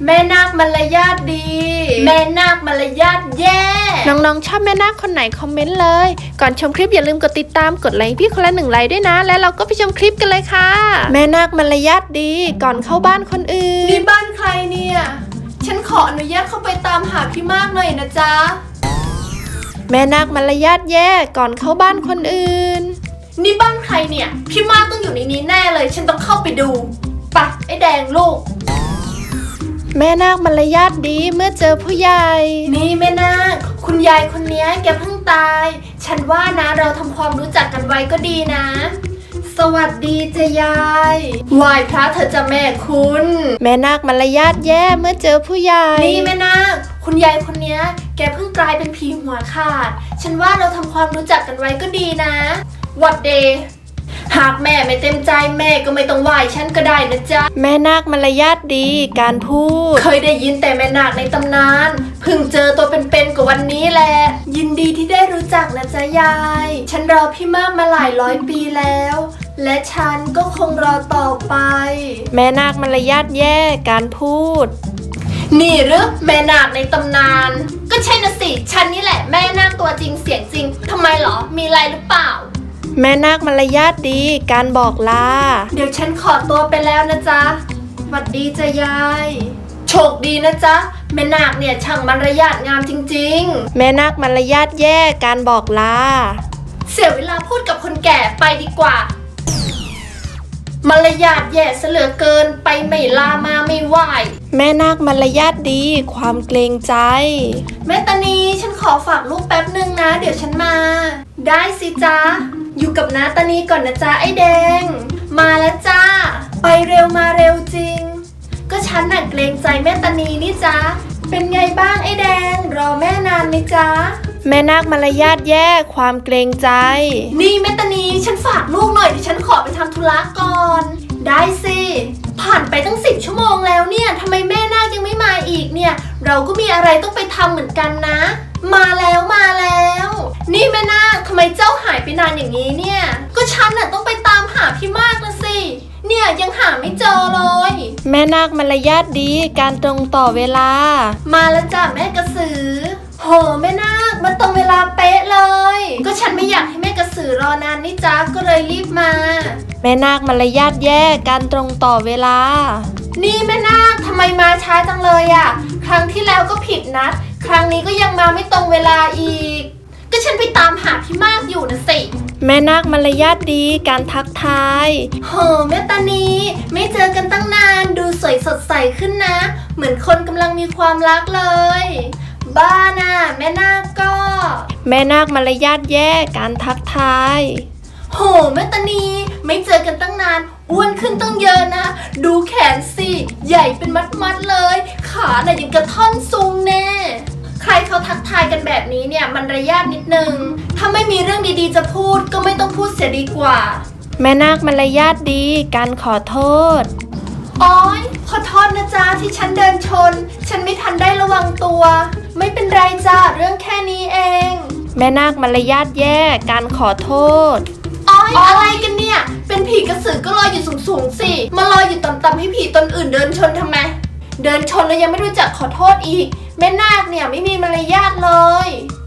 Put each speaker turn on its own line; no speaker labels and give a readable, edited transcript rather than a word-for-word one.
แม่นาคมารยาทดีแม่นาคมารยาทแย่
น้องๆชอบแม่นาคคนไหนคอมเมนต์เลย ก่อนชมคลิปอย่าลืมกดติดตามกดไลค์พี่คนละ1 ไลค์ด้วยนะและเราก็ไปชมคลิปกันเลยค่ะแม่นาคมารยาทดีก่อนเข้าบ้านคนอื่น
นี่บ้านใครเนี่ยฉันขออนุญาตเข้าไปตามหาพี่มากหน่อยนะจ๊ะ
แม่นาคมารยาทแย่ก่อนเข้าบ้านคนอื่น
นี่บ้านใครเนี่ยพี่มากต้องอยู่ในนี้แน่เลยฉันต้องเข้าไปดูปะไอ้แดงลูก
แม่นาคมารยาทดีเมื่อเจอผู้ใหญ่
นี่แม่นาคคุณยายคนนี้แกเพิ่งตายฉันว่านะเราทำความรู้จักกันไว้ก็ดีนะสวัสดีจ้ะยายไหว้พระเธอจะแม่คุณ
แม่นาคมารยาทแย่เมื่อเจอผู้ใหญ่
นี่แม่นาคคุณยายคนนี้แกเพิ่งกลายเป็นผีหัวขาดฉันว่าเราทำความรู้จักกันไว้ก็ดีนะหวัดเดย์หากแม่ไม่เต็มใจแม่ก็ไม่ต้องไหว้ฉันก็ได้นะจ๊ะ
แม่นาคมารยาทดีการพูด
เคยได้ยินแต่แม่นาคในตำนานเพิ่งเจอตัวเป็นๆกับวันนี้แหละยินดีที่ได้รู้จักนะจ๊ะยายฉันรอพี่มากมาหลายร้อยปีแล้วและฉันก็คงรอต่อไป
แม่นาคมารยาทแย่การพูด
นี่หรือแม่นาคในตำนานก็ใช่นะสิฉันนี่แหละแม่นาคตัวจริงเสียงจริงทำไมหรอมีอะไรหรือเปล่า
แม่นาคมารยาทดีการบอกลา
เดี๋ยวฉันขอตัวไปแล้วนะจ๊ะหวัดดีจ้ะยายโชคดีนะจ๊ะแม่นาคเนี่ยช่างมารยาทงามจริง
ๆแม่นาคมารยาทแย่การบอกลา
เสียเวลาพูดกับคนแก่ไปดีกว่ามารยาทแย่เสลือเกินไปไม่ลามาไม่ไหว
แม่นาคมารยาทดีความเกรงใจ
แม่ตานีฉันขอฝากลูกแป๊บนึงนะเดี๋ยวฉันมาได้สิจ๊ะอยู่กับน้าตานีก่อนนะจ๊ะไอ้แดงมาแล้วจ้าไปเร็วมาเร็วจริงก็ฉันน่ะเกรงใจแม่ตานีนี่จ๊ะเป็นไงบ้างไอ้แดงรอแม่นานไหมจ๊ะ
แม่นาคมารยาทแย่ความเกรงใจ
นี่แม่ตานีฉันฝากลูกหน่อยดิฉันขอไปทำธุระก่อนได้สิผ่านไปตั้ง10 ชั่วโมงแล้วเนี่ยทำไมแม่นาคยังไม่มาอีกเนี่ยเราก็มีอะไรต้องไปทำเหมือนกันนะมาแล้วนี่แม่นาคทำไมเจ้าหายไปนานอย่างนี้เนี่ยก็ฉันน่ะต้องไปตามหาพี่มากนะสิเนี่ยยังหาไม่เจอเลย
แม่นาคมารยาทดีการตรงต่อเวลา
มาแล้วจ้ะแม่กระสือโหแม่นาคมาตรงเวลาเป๊ะเลยก็ฉันไม่อยากให้แม่กระสือรอนานนี่จ้าก็เลยรีบมา
แม่นาคมารยาทแย่การตรงต่อเวลา
นี่แม่นาคทำไมมาช้าจังเลยอ่ะครั้งที่แล้วก็ผิดนัดครั้งนี้ก็ยังมาไม่ตรงเวลาอีกก็ฉันไปตามหาพี่มากอยู่นะสิ
แม่นาคมารยาทดีการทักทาย
โหแม่ตานีไม่เจอกันตั้งนานดูสวยสดใสขึ้นนะเหมือนคนกำลังมีความรักเลยบ้าน่ะแม่นาคก็
แม่นาคมารยาทแย่การทักทาย
โหแม่ตานีไม่เจอกันตั้งนานอ้วนขึ้นตั้งเยอะนะดูแขนสิใหญ่เป็นมัดเลยขาน่ะยังกระท่อนซุงแน่ใครเขาทักทายกันแบบนี้เนี่ยมันระยะนิดนึงถ้าไม่มีเรื่องดีๆจะพูดก็ไม่ต้องพูดเสียดีกว่า
แม่นาคมารยาทดีการขอโทษ
อ๋อยขอโทษนะจ๊ะที่ฉันเดินชนฉันไม่ทันได้ระวังตัวไม่เป็นไรจ้ะเรื่องแค่นี้เอง
แม่นาคมารยาทแย่การขอโทษ
อ๋อยอะไรกันเนี่ยเป็นผีกระสือก็ลอยอยู่สูงๆสิมาลอยอยู่ต่ำๆให้ผีตนอื่นเดินชนทำไมเดินชนแล้วยังไม่รู้จักขอโทษอีกแม่นาคเนี่ยไม่มีมารยาทเลย